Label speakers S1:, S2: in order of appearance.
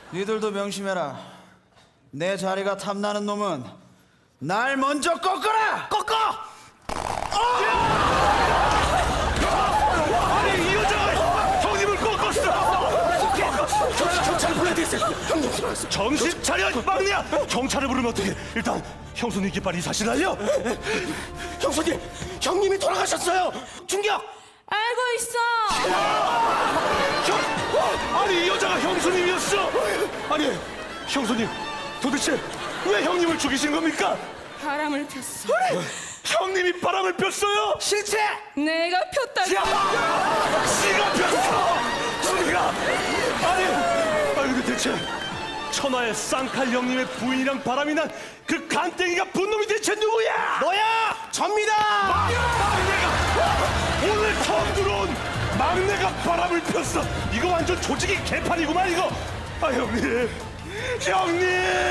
S1: 니들도 명심해라. 내 자리가 탐나는 놈은 날 먼저 꺾어라! 꺾어!
S2: 아니 이 여자가 형님을 꺾었어. 경찰을 불러야 되겠어요. 형님 들어왔어. 정신 차려 막내야. 경찰을 부르면 어떡해. 일단 형수님께 빨리 사실 알려. 형수님, 형님이 돌아가셨어요. 충격.
S3: 알고 있어.
S2: 아니 이 여자가 형수님이었어. 아니 형수님 도대체 왜 형님을 죽이신 겁니까?
S3: 바람을 폈어.
S2: 형님이 바람을 폈어요.
S1: 실체!
S3: 내가 폈다고.
S2: 씨가 폈어. 씨가. 아니 근데 대체 천하의 쌍칼 형님의 부인이랑 바람이 난 그 간땡이가 분놈이 대체 누구야?
S1: 너야! 접니다!
S2: 막내가 오늘 처음 들어온 막내가 바람을 폈어. 이거 완전 조직이 개판이구만 이거. 아 형님.